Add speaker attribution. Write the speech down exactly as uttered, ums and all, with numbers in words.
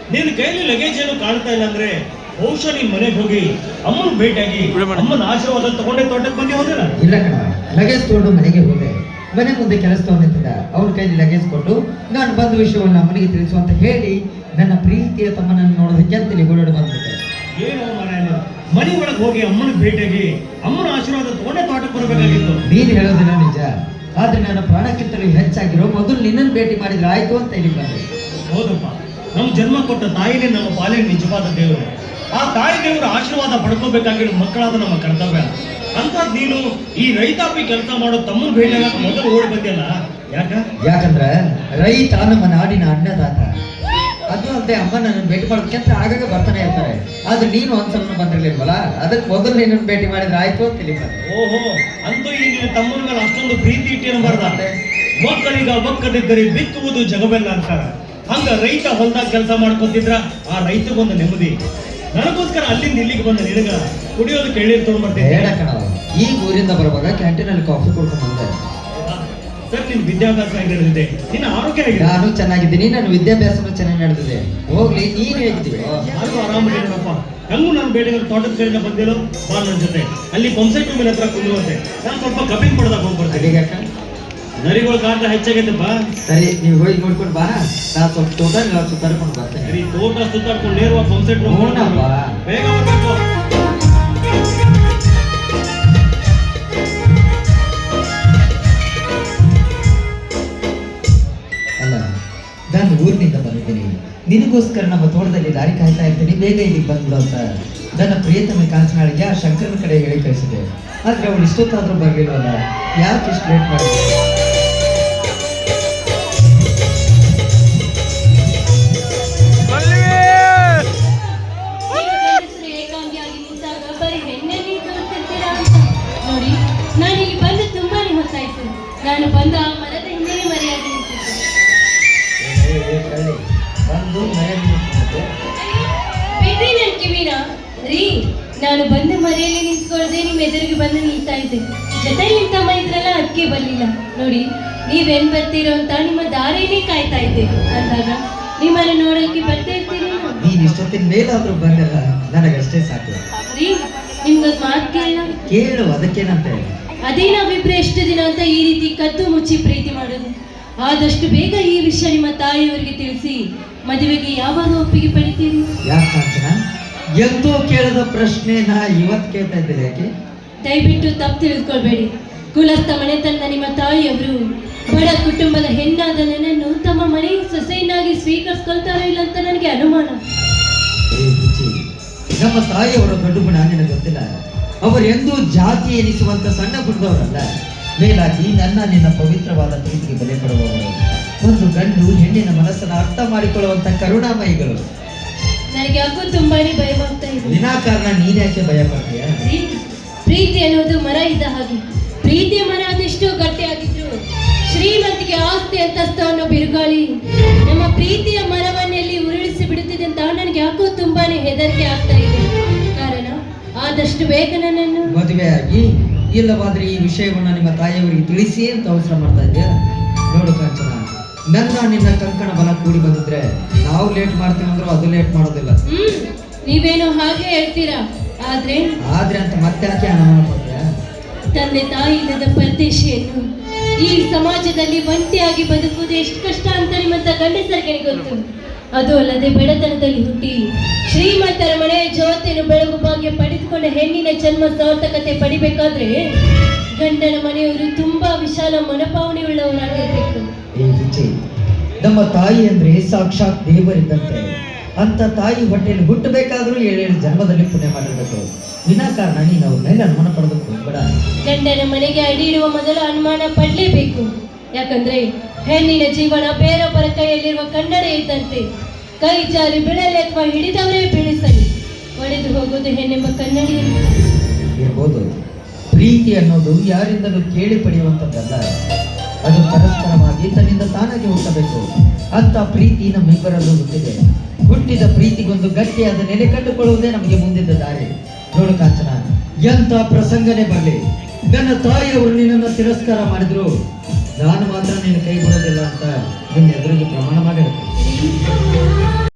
Speaker 1: ನಿನ್ನ ಕೈಲಿ ಲಗೇಜ್ ಏನು ಕಾಣ್ತಾ ಇಲ್ಲ ಅಂದ್ರೆ ಬಹುಶಃ ನಿನ್ ಮನೆಗೆ ಹೋಗಿ ಅಮ್ಮನ ಭೇಟಿಯಾಗಿ ಅಮ್ಮನ ಆಶೀರ್ವಾದ ತಗೊಂಡೆ ತೋಟಕ್ಕೆ ಬಂದಿ ಹೋದಿಲ್ಲ.
Speaker 2: ಇಲ್ಲ ಕಣ, ಲಗೇಜ್ ತಗೊಂಡು ಮನೆಗೆ ಹೋದೆ. ಮನೆ ಮುಂದೆ ಕೆಲಸ ತಗೊಂಡಿದ್ದ ಅವ್ರ ಕೈಲಿ ಲಗೇಜ್ ಕೊಟ್ಟು ನಾನು ಬಂದ ವಿಷಯವನ್ನು ಅಮ್ಮನಿಗೆ ತಿಳಿಸು ಅಂತ ಹೇಳಿ ನನ್ನ ಪ್ರೀತಿಯ ತಮ್ಮನನ್ನು ನೋಡೋದಕ್ಕೆ ಅಂತೇಳಿ ಓಡಾಡಿ ಬಂದ್ಬಿಟ್ಟೆ.
Speaker 1: ಏನು ಮನೆ ಮನೆ ಒಳಗೆ ಹೋಗಿ ಅಮ್ಮನ ಭೇಟಿಯಾಗಿ ಅಮ್ಮನ ಆಶೀರ್ವಾದ ತಗೊಂಡೆ ತೋಟಕ್ಕೆ ಬರಬೇಕಾಗಿತ್ತು.
Speaker 2: ನೀನು ಹೇಳೋದಿಲ್ಲ ನಿಜ, ಆದ್ರೆ ನನ್ನ ಪ್ರಾಣಕ್ಕಿಂತಲೂ ಹೆಚ್ಚಾಗಿರೋ ಮೊದಲು ನಿನ್ನನ್ನು ಭೇಟಿ ಮಾಡಿದ್ರೆ ಆಯ್ತು ಅಂತ ಹೇಳಿ ಬಂದೆ.
Speaker 1: ಹೌದಪ್ಪ, ನಮ್ಮ ಜನ್ಮ ಕೊಟ್ಟ ತಾಯಿನೇ ನಮ್ಮ ಪಾಲಿನ ನಿಜವಾದ ದೇವರು. ಆ ತಾಯಿ ದೇವರ ಆಶೀರ್ವಾದ ಪಡ್ಕೋಬೇಕಾಗಿರೋ ಮಕ್ಕಳಾದ ನಮ್ಮ ಕರ್ತವ್ಯ. ಅಂತ ನೀನು ಈ ರೈತಾಪಿ ಕೆಲಸ ಮಾಡೋ ತಮ್ಮನ ಭೇಟಿಯಾಗ ಮೊದಲು ಓಡಿ ಬಂದಿಲ್ಲ. ಯಾಕ?
Speaker 2: ಯಾಕಂದ್ರೆ ರೈತ ನಮ್ಮ ನಾಡಿನ ಅನ್ನದಾತ. ಅದು ಅಲ್ಲದೆ ಅಮ್ಮ ನನ್ನ ಭೇಟಿ ಮಾಡೋದಕ್ಕೆ ಅಂತ ಆಗಾಗ ಬರ್ತಾನೆ ಇರ್ತಾರೆ. ಆದ್ರೆ ನೀನು ಒಂದ್ಸಲ ಬಂದಿರ್ಲಿಲ್ವಲ್ಲ, ಅದಕ್ಕೆ ಮೊದಲು ನಿನ್ನನ್ನು ಭೇಟಿ ಮಾಡಿದ್ರೆ ಆಯ್ತು ಅಂತ ಹೇಳಿ ಬಂದೆ.
Speaker 1: ಓಹೋ, ಅಂತೂ ಈ ನಿನ್ನ ತಮ್ಮನ ಮೇಲೆ ಅಷ್ಟೊಂದು ಪ್ರೀತಿ ಇಟ್ಟೇನು ಬರ್ದಾರೆ. ಮಕ್ಕಳಿಗ ಒಕ್ಕಲಿದ್ದರೆ ಬಿತ್ತುವುದು ಜಗವೆಲ್ಲ ಅಂತಾರ. ಹಂಗ ರೈತ ಹೊಲದಾಗ ಕೆಲಸ ಮಾಡ್ಕೊತಿದ್ರ ಆ ರೈತಗೊಂದು ನೆಮ್ಮದಿ. ನನಗೋಸ್ಕರ ಅಲ್ಲಿಂದ ಇಲ್ಲಿಗೆ ಬಂದ ನಿನಗ ಕುಡಿಯೋದಕ್ಕೆ ಎಳ್ನೀರು ತಗೊಂಡ್ಬರ್ತೇನೆ.
Speaker 2: ಬೇಡ ಕಣ, ಈಗ ಊರಿಂದ ಬರುವಾಗ ಕ್ಯಾಂಟೀನಲ್ಲಿ ಕಾಫಿ ಕುಡ್ಕೊಂಡು ಬಂದೆ.
Speaker 1: ಸರ್, ನಿನ್ ವಿದ್ಯಾಭ್ಯಾಸ ಹೇಗೆ ನಡೆದಿದೆ? ನಿನ್ನ ಆರೋಗ್ಯ ಹೇಗಿದೆ?
Speaker 2: ನಾನು ಚೆನ್ನಾಗಿದ್ದೀನಿ, ನನ್ನ ವಿದ್ಯಾಭ್ಯಾಸನೂ ಚೆನ್ನಾಗಿ ನಡೆದಿದೆ. ಹೋಗ್ಲಿ, ನೀನ್ ಹೇಗಿದ್ದೀವಿ?
Speaker 1: ನಾನು ಆರಾಮಾಗಿದ್ದೀನಪ್ಪ. ಹೆಂಗು ನಾನು ಬೇಟೆಗೆ ತೋಟದ ಕಡೆಯಿಂದ ಬಂದಿರೋ ಬಾ ನನ್ನ ಜೊತೆ. ಅಲ್ಲಿ ಪಂಪ್ಸೆಟ್ ಮೇಲೆ ಹತ್ರ ಕುಂದಿರುವಂತೆ ನಾನು ಸ್ವಲ್ಪ ಕಬ್ಬಿನ ಪಡೆದಾಗ ಹೋಗ್ಬರ್ತೇನೆ.
Speaker 2: ಹೇಗಾಕ
Speaker 1: ನರಿಗಳ ಕಾಟ ಹೆಚ್ಚಾಗೈತಪ್ಪ.
Speaker 2: ಸರಿ, ನೀವು ಹೋಗಿ ನೋಡ್ಕೊಂಡು ಬಾ, ನಾನು ಸ್ವಲ್ಪ ತೋಟ ಸುತ್ತಾಡ್ಕೊಂಡು ಬರ್ತೇನೆ.
Speaker 1: ಸರಿ, ತೋಟ ಸುತ್ತಾಡ್ಕೊಂಡು ನೇರವಾಗಿ ಪಂಪ್ಸೆಟ್ ಬೇಗ ಬರ್ಬೇಕು.
Speaker 2: ಅಲ್ಲ, ನಾನು ಊರಿನಿಂದ ಬಂದಿದ್ದೀನಿ, ನಿನಗೋಸ್ಕರ ನಮ್ಮ ತೋಟದಲ್ಲಿ ದಾರಿ ಕಾಯ್ತಾ ಇರ್ತೀನಿ, ಬೇಗ ಇಲ್ಲಿಗೆ ಬಂದ್ಬಿಡು ಅಂತ ನನ್ನ ಪ್ರಿಯತಮ ಕಾಂಚನಾಳಿಗೆ ಆ ಶಂಕರನ ಕಡೆ ಹೇಳಿ ಕಳಿಸಿದೆ. ಆದ್ರೆ ಅವಳು ಇಷ್ಟೊತ್ತಾದ್ರೂ ಬರಲಿಲ್ವಲ್ಲ, ಯಾಕೆ ಇಷ್ಟು ಲೇಟ್ ಮಾಡಿದೆ?
Speaker 3: ನೋಡಿ, ನಾನು ಇಲ್ಲಿ ಬಂದು ತುಂಬಾನೇ ಹೊತ್ತಾಯ್ತು. ನಾನು ಬಂದ ಆ ಮರದ ಹಿಂದೆ ಮರೆಯಾಗಿ
Speaker 2: ಬಂದು
Speaker 3: ಬಿಡ್ರಿ ನನ್ ಕಿವಿನ ರೀ. ನಾನು ಬಂದು ಮರೆಯಲ್ಲಿ ನಿಂತ್ಕೊಳ್ಳದೆ ನಿಮ್ ಎದುರಿಗೆ ಬಂದು ನಿಲ್ತಾ ಇದ್ದೆ. ಜೊತೆ ನಿಂತಮ್ಮ ಇದ್ರಲ್ಲ, ಅದಕ್ಕೆ ಬರ್ಲಿಲ್ಲ. ನೋಡಿ, ನೀವೇನ್ ಬರ್ತೀರೋ ಅಂತ ನಿಮ್ಮ ದಾರಿನೇ ಕಾಯ್ತಾ ಇದ್ದೆ. ಅಂದಾಗ ನಿಮ್ಮನ್ನ ನೋಡಕ್ಕೆ ಬರ್ತಾ ಇರ್ತೀರಿ.
Speaker 2: ನೀನ್ ಇಷ್ಟೊತ್ತಿನ ಮೇಲಾದ್ರೂ ಬಂದಲ್ಲ, ನನಗಷ್ಟೇ ಸಾಕು
Speaker 3: ರೀ. ನಿಮ್ಗೊಂದು ಮಾತು ಕೇಳ
Speaker 2: ಕೇಳು, ಅದಕ್ಕೇನಂತ ಹೇಳಿ.
Speaker 3: ಅದೇ ನಾವಿಬ್ರು ಎಷ್ಟು ದಿನ ಅಂತ ಈ ರೀತಿ ಕದ್ದು ಮುಚ್ಚಿ ಪ್ರೀತಿ ಮಾಡೋದು. ಆದಷ್ಟು ಬೇಗ ಈ ವಿಷಯ ನಿಮ್ಮ ತಾಯಿಯವರಿಗೆ ತಿಳಿಸಿ ಮದುವೆಗೆ ಯಾವಾಗ ಒಪ್ಪಿಗೆ ಪಡಿತೀರಿ?
Speaker 2: ಯಾಕೆ ಕಾಂಚನ, ಎಂದೋ ಕೇಳದ ಪ್ರಶ್ನೆ ನಾ ಇವತ್ತು ಕೇಳ್ತಾ ಇದ್ದೇನೆ. ಯಾಕೆ?
Speaker 3: ದಯವಿಟ್ಟು ತಪ್ಪು ತಿಳಿದುಕೊಳ್ಬೇಡಿ. ಕುಲಸ್ಥ ಮನೆತನದ ನಿಮ್ಮ ತಾಯಿಯವರು ಬಡ ಕುಟುಂಬದ ಹೆಣ್ಣಾದ ನನ್ನನ್ನು ತಮ್ಮ ಮನೆಯ ಸೊಸೆಯನ್ನಾಗಿ ಸ್ವೀಕರಿಸ್ಕೊಳ್ತಾರೋ ಇಲ್ಲ ಅಂತ ನನಗೆ ಅನುಮಾನ.
Speaker 2: ನಮ್ಮ ತಾಯಿಯವರ ದೊಡ್ಡ ಗುಣ ನಿನಗೆ ಗೊತ್ತಿಲ್ಲ. ಅವರು ಎಂದೂ ಜಾತಿ ಎನಿಸುವಂತ ಸಣ್ಣ ಗುಣದವರಲ್ಲ. ಮೇಲಾಗಿ ನನ್ನ ನಿನ್ನ ಪವಿತ್ರವಾದ ಪ್ರೀತಿಗೆ ಬೆಲೆ ಕೊಡುವವರು. ಒಂದು ಗಂಡು ಹೆಣ್ಣಿನ ಮನಸ್ಸನ್ನು ಅರ್ಥ ಮಾಡಿಕೊಳ್ಳುವಂತ ಕರುಣಾಮಯಿಗಳು.
Speaker 3: ನನಗೆ ಯಾಕೋ ತುಂಬಾನೇ ಭಯವಾಗ್ತಾ ಇದೆ.
Speaker 2: ವಿನಾಕಾರಣ ನೀನ್ ಯಾಕೆ ಭಯ ಪಡ್ತೀಯ?
Speaker 3: ಪ್ರೀತಿ ಅನ್ನೋದು ಮರ ಇದ್ದ ಹಾಗೆ. ಪ್ರೀತಿಯ ಮರ ಅದೆಷ್ಟೋ ಗಟ್ಟಿಯಾಗಿದ್ರು ಶ್ರೀಮಂತಿಗೆ ಆಸ್ತಿ ಅಂತಸ್ತು ಅನ್ನೋ ಬಿರುಗಾಳಿ ನಮ್ಮ ಪ್ರೀತಿಯ ಮರವನ್ನೆಲ್ಲಿ ಉರುಳಿಸಿ ಬಿಡುತ್ತಿದೆ ಅಂತ ನನಗೆ ಯಾಕೋ ತುಂಬಾನೇ ಹೆದರಿಕೆ ಆಗ್ತಾ ಇದೆ. ಕಾರಣ ಆದಷ್ಟು ಬೇಗ ನನ್ನನ್ನು
Speaker 2: ಮದುವೆಯಾಗಿ ಇಲ್ಲವಾದ್ರೆ ಈ ವಿಷಯವನ್ನು ನಿಮ್ಮ ತಾಯಿಯವರಿಗೆ ತಿಳಿಸಿ ಅಂತ ಅವಸರ ಮಾಡ್ತಾ ಇದೆಯಾ? ನೋಡು ಕಾಂಚನ, ನನ್ನ ನಿನ್ನ ಕಂಕಣ ಬಲ ಕೂಡಿ ಬಂದಿದ್ರೆ ನಾವು ಲೇಟ್ ಮಾಡ್ತೀವಿ ಅಂದ್ರೂ ಅದು ಲೇಟ್ ಮಾಡೋದಿಲ್ಲ.
Speaker 3: ಹ್ಮ್ ನೀವೇನೋ ಹಾಗೆ ಹೇಳ್ತೀರಾ. ಆದ್ರೆ
Speaker 2: ಆದ್ರೆ ಅಂತ ಮತ್ತೆ ಯಾಕೆ ಅನುಮಾನ ಪಡ್ತೀಯ?
Speaker 3: ತಂದೆ ತಾಯಿ ಇಲ್ಲದ ಪರದೇಶಿಯನ್ನು ಈ ಸಮಾಜದಲ್ಲಿ ಒಂಟಿಯಾಗಿ ಬದುಕುವುದು ಎಷ್ಟು ಕಷ್ಟ ಅಂತ ನಿಮ್ಮಂತ ಗಂಡಸರಿಗೆ ಗೊತ್ತು. ಅದು ಅಲ್ಲದೆ ಬಡತನದಲ್ಲಿ ಹುಟ್ಟಿ ಶ್ರೀಮಂತರ ಮನೆಯ ಜ್ಯೋತಿಯನ್ನು ಬೆಳಗು ಭಾಗ್ಯ ಪಡೆದುಕೊಂಡ ಹೆಣ್ಣಿನ ಜನ್ಮ ಸಾರ್ಥಕತೆ ಪಡಿಬೇಕಾದ್ರೆ ಗಂಡನ ಮನೆಯವರು ತುಂಬಾ ವಿಶಾಲ ಮನೋಭಾವನೆ ಉಳ್ಳವರಾಗಿರ್ಬೇಕು.
Speaker 2: ಏ ವಿಜಯ್, ನಮ್ಮ ತಾಯಿ ಅಂದ್ರೆ ಸಾಕ್ಷಾತ್ ದೇವರಿದ್ದಂತೆ. ಅಂತ ತಾಯಿ ಹೊಟ್ಟೆಯಲ್ಲಿ ಹುಟ್ಟಬೇಕಾದ್ರೂ ಏಳೇಳು ಜನ್ಮದಲ್ಲಿ ಪುಣ್ಯ ಮಾಡಿರ್ಬೇಕು. ವಿನಾಕಾರಣ ನೀನು ಅವ್ರ ಮೇಲೆ ಅನುಮಾನ ಪಡಬೇಕು ಬೇಡ.
Speaker 3: ಗಂಡನ ಮನೆಗೆ ಅಡಿ ಇಡುವ ಮೊದಲು ಅನುಮಾನ ಪಡಲೇಬೇಕು. ಯಾಕಂದ್ರೆ ಹೆಣ್ಣಿನ ಜೀವನ ಬೇರೊಬ್ಬರ ಕೈಯಲ್ಲಿರುವ ಕನ್ನಡ ಇದ್ದಂತೆ. ಕೈ ಜಾರಿ ಬಿಡಲಿ ಅಥವಾ ಹಿಡಿದವರೇ ಬೀಳಿಸಲಿ, ಒಡೆದು ಹೋಗೋದು ಹೆಣ್ಣೆಂಬ ಕನ್ನಡಿ
Speaker 2: ಇರ್ಬೋದು. ಪ್ರೀತಿ ಅನ್ನೋದು ಯಾರಿಂದಲೂ ಕೇಳಿ ಪಡೆಯುವಂಥದ್ದಲ್ಲ. ಅದು ಪರಸ್ಪರವಾಗಿ ತನ್ನಿಂದ ತಾನಾಗಿ ಹುಟ್ಟಬೇಕು. ಅಂತ ಪ್ರೀತಿ ನಮ್ಮಿಬ್ಬರಲ್ಲೂ ಹುಟ್ಟಿದೆ. ಹುಟ್ಟಿದ ಪ್ರೀತಿಗೊಂದು ಗಟ್ಟಿಯಾದ ನೆಲೆ ಕಂಡುಕೊಳ್ಳುವುದೇ ನಮಗೆ ಮುಂದಿದ್ದ ದಾರಿ. ನೋಡು ಕಾಂಚನ, ಎಂತ ಪ್ರಸಂಗನೇ ಬರಲಿ, ನನ್ನ ತಾಯಿಯವರು ನಿನ್ನನ್ನು ತಿರಸ್ಕಾರ ಮಾಡಿದ್ರು ನಾನು ಮಾತ್ರ ನಿನ್ನ ಕೈ ಬಿಡೋದಿಲ್ಲ ಅಂತ ನಿನ್ನ ಎದುರಿಗೆ ಪ್ರಮಾಣ ಮಾಡಿ